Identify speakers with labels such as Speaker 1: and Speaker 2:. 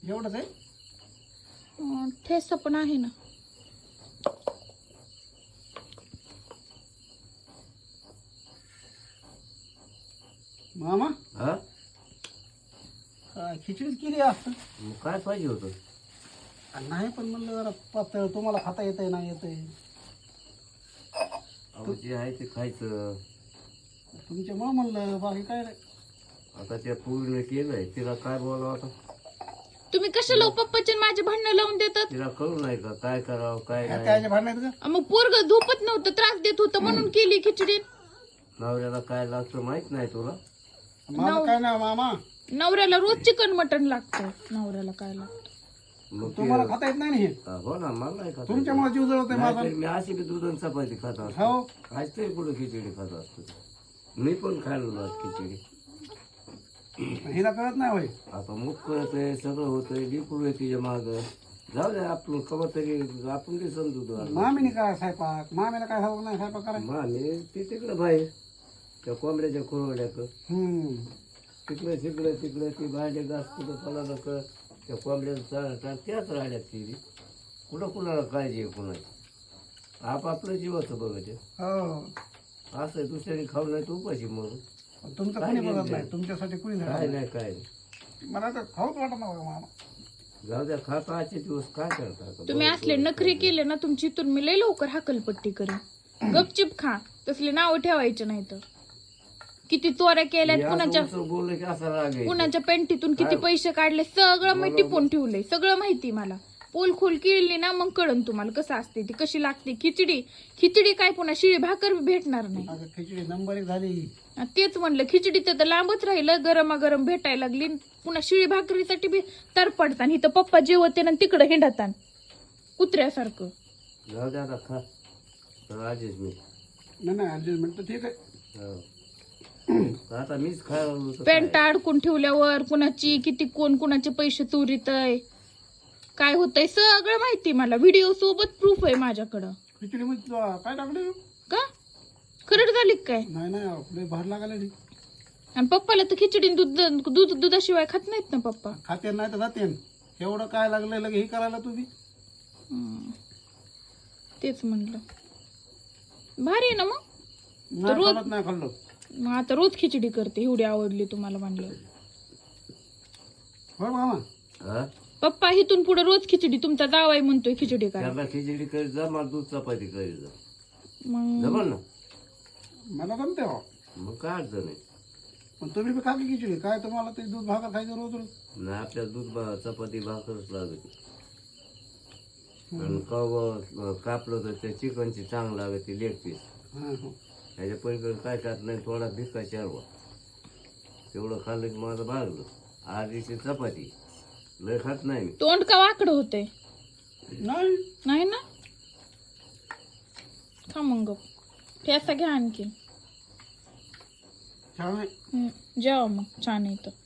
Speaker 1: एवढंच आहे.
Speaker 2: ठेसा पण आहे ना.
Speaker 1: मामा
Speaker 3: हा
Speaker 1: खिचडीच केली असतं.
Speaker 3: मग काय पाहिजे होतं?
Speaker 1: नाही पण म्हणलं जरा पातळ तुम्हाला खाता येतंय नाही येतंय.
Speaker 3: अहो जे आहे ते खायचं.
Speaker 1: तुमच्यामुळं म्हणलं बाकी काय नाही.
Speaker 3: आता त्या पूर्ण केलंय तिला काय बोलावं आता?
Speaker 2: तुम्ही कशाला पप्पाचे माझे भांडणं लावून देतात?
Speaker 3: तिला कळू नाही का काय करावं काय नाही?
Speaker 1: त्याच्या भांडणात का
Speaker 2: मग पोरग झोपत नव्हतं, त्रास देत होतं म्हणून केली खिचडी.
Speaker 3: नवऱ्याला काय लागतं माहित नाही तुला?
Speaker 1: माझं काय नाही मामा.
Speaker 2: नवऱ्याला रोज चिकन मटन लागतं. नवऱ्याला काय लागतं?
Speaker 3: मग
Speaker 1: तुम्हाला खाता येत नाही ना हे.
Speaker 3: हो ना मला नाही खाता.
Speaker 1: तुमच्यामुळे जीव जळतोय माझा.
Speaker 3: नाहीतरी मी अशी बी दूध आणि चपाती खात असतो.
Speaker 1: हो
Speaker 3: आज तरी कुठं खिचडी खात असतो. मी पण खायला खिचडी.
Speaker 1: हिला कळत नाही होय.
Speaker 3: आता मुख कळतंय सगळं होतंय लिकूड आहे तिच्या माग. जाऊ दे आपण कवा तरी आपण ते समजू.
Speaker 1: मामीने काय स्वयंपाक मामीला काय हवं नाही स्वयंपाक करायला.
Speaker 3: मामी ती तिकडं बाहेर त्या कोंबड्याच्या खुरवड्याक तिकडे तिकडे तिकडे ती भांडे घास कुठं फलाला कर त्या कोंबड्याचं त्याच राहण्यात ती कुठं कुणाला काळजी आहे कुणाची. आपापलं जीवाचं बघायचं
Speaker 1: हो
Speaker 3: असं दुसऱ्याने खाऊ नाही तर उपाशी म्हणून
Speaker 1: तुमचं कोणी बघत नाही. तुमच्यासाठी कोणी
Speaker 3: काय
Speaker 1: नाही.
Speaker 3: नाही काय नाही.
Speaker 1: मला तर खाऊच वाटत नाही मामा.
Speaker 3: जाऊ द्या खाता आजचे दिवस काय करता.
Speaker 2: तुम्ही असले नखरे केले ना तुमची इथून मी लय लवकर हाकलपट्टी करेन. गपचिप खा, तसले नाव ठेवायचे नाही तर. किती चोऱ्या केल्यात, कुणाच्या
Speaker 3: बोललं की असा राग आहे.
Speaker 2: कुणाच्या पेंटीतून किती पैसे काढले सगळं मी टिपून ठेवलंय. सगळं माहिती मला. पोल खोल केली ना मग कळन तुम्हाला कसं असते ती, कशी लागते खिचडी. खिचडी काय पुन्हा शिळी भाकर भेटणार नाही.
Speaker 1: आता खिचडी नंबर 1 झाली.
Speaker 2: तेच म्हणलं खिचडी तर लांबच राहिलं. गरमागरम भेटायला लागली. पुन्हा शिळी भाकरीसाठी बी तरपडतात. इथं पप्पा जेवते ना तिकडं हिंडतात कुत्र्यासारखं.
Speaker 3: जाऊ द्या आता खा राजेश मी
Speaker 1: नाही ऍडजस्टमेंट तर ठीक आहे.
Speaker 3: हो. आता मीच खायला लागलो तर
Speaker 2: पॅन्ट
Speaker 3: काय?
Speaker 2: अडकून ठेवल्यावर कुणाची किती कोण कुणाचे पैसे चोरीतय काय होतंय सगळं माहिती मला. व्हिडिओ सोबत प्रूफ आहे माझ्याकडं.
Speaker 1: खिचडी मध्ये काय टाकलं
Speaker 2: का खरड झाली का काय?
Speaker 1: नाही भार लागायला नाही.
Speaker 2: आणि पप्पाला तर खिचडी दुधाशिवाय खात नाहीत ना पप्पा.
Speaker 1: खाते नाही तर जाते. एवढं काय लागलं लगे हे करायला तुम्ही.
Speaker 2: तेच म्हणलं भारी आहे ना मग.
Speaker 1: नाही खाल्लं नाही खाल्लं.
Speaker 2: मग आता रोज खिचडी करते एवढी आवडली तुम्हाला म्हणलं.
Speaker 1: हो मामा.
Speaker 3: हा?
Speaker 2: पप्पा इथून पुढे रोज खिचडी. तुमचा जावाई म्हणतोय खिचडी करा.
Speaker 3: त्याला खिचडी करीत जा मला दूध चपाती करीत जा.
Speaker 2: मग
Speaker 3: जमल ना.
Speaker 1: मला जमते हो.
Speaker 3: मग काय अडचण आहे.
Speaker 1: पण तुम्ही बी खाली खिचडी काय तुम्हाला ते दूध भाकर खायचं रोज रोज.
Speaker 3: नाही आपल्याला दूध चपाती भाकरच लागते. आणि कव कापलं तर त्या चिकनची चांगलं लागते लेग पीस. त्याच्या पलीकडे काय खात नाही. थोडा भिक्का चारवा तेवढं खाल्लं की माझं भागलं. आधीची चपाती लय खात नाही मी.
Speaker 2: तोंड का वाकडं होतंय?
Speaker 1: नाही
Speaker 2: नाही ना. खा मग ठेसा घ्या आणखी.
Speaker 1: छान आहे.
Speaker 2: जेवा मग छान आहे तर.